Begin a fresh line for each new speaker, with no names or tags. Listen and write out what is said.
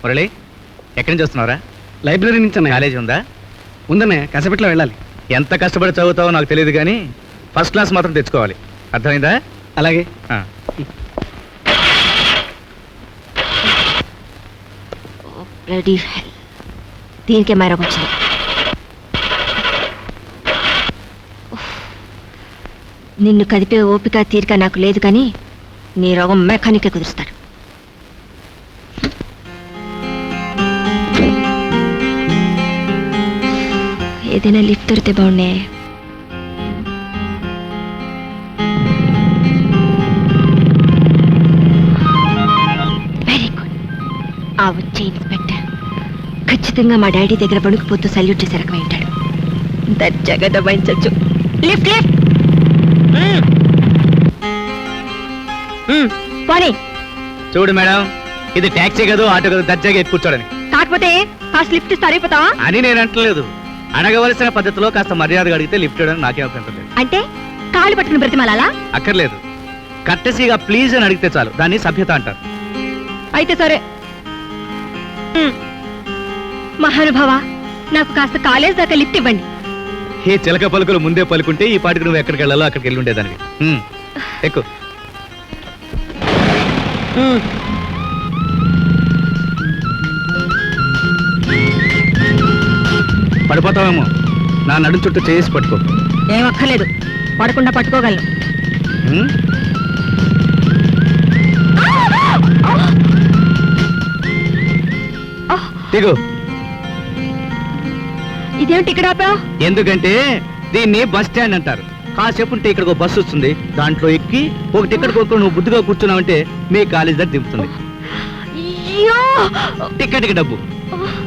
మురళి, ఎక్కడి నుంచి వస్తున్నావురా?
లైబ్రరీ నుంచి అన్నయ్య.
కాలేజీ ఉందా?
ఉందన్నయ్య, కసపెట్లో వెళ్ళాలి.
ఎంత కష్టపడి చదువుతావో నాకు తెలియదు కానీ ఫస్ట్ క్లాస్ మాత్రం తెచ్చుకోవాలి, అర్థమైందా?
అలాగే.
దీనికే మైరోగం వచ్చింది. నిన్ను కదిపే ఓపిక తీరిక నాకు లేదు, కానీ నీ రోగం మెకానికే కుదురుస్తాడు. ఏదైనా లిఫ్ట్ దొరికితే బాగుండే. Very good. ఆ వచ్చే ఇన్స్పెక్టర్ ఖచ్చితంగా మా డాడీ దగ్గర వణుకుపోతూ సల్యూట్ చేసే రకమై ఉంటాడు. దర్జాగా దబాయించచ్చు. Lift lift. పోనీ.
చూడు మేడం, ఇది ట్యాక్సీ కాదు, ఆటో కాదు, దర్జాగా ఎక్కి కూర్చోడని.
కాకపోతే కాస్త లిఫ్ట్ ఇస్తే అయిపోతావా
అని నేను అంటలేదు. అడగవలసిన పద్ధతిలో కాస్త మర్యాదగా అడిగితే లిఫ్ట్ ఇవ్వడానికి నాకేం అభ్యంతరం లేదు.
అంటే కాళ్ళు పట్టుకుని బ్రతిమాలా?
అక్కర్లేదు, కట్టసీగా ప్లీజ్ అని అడిగితే చాలు, దాన్ని సభ్యత అంటారు.
అయితే సరే. మహానుభావ, నాకు కాస్త కాలేజ్ దాకా లిఫ్ట్ ఇవ్వండి.
ఈ చిలక పలుకులు ముందే పలుకుంటే ఈ పాటికి నువ్వు ఎక్కడికి వెళ్ళాలో అక్కడికి వెళ్ళి ఉండేదానికి. ఎక్కువ పడిపోతావేమో, నా నడుం చుట్టూ చేసి పట్టుకో.
ఏం అక్కర్లేదు, పడకుండా పట్టుకోగలను.
దిగు.
ఇదేమిటి ఇక్కడ ఆపావు?
ఎందుకంటే దీన్ని బస్ స్టాండ్ అంటారు. కాసేపు ఉంటే ఇక్కడ బస్సు వస్తుంది, దాంట్లో ఎక్కి ఒక టికెట్ కొనుక్కొని నువ్వు బుద్ధిగా కూర్చున్నావంటే మీ కాలేజ్ దగ్గర దింపుతుంది. టికెట్కి డబ్బు.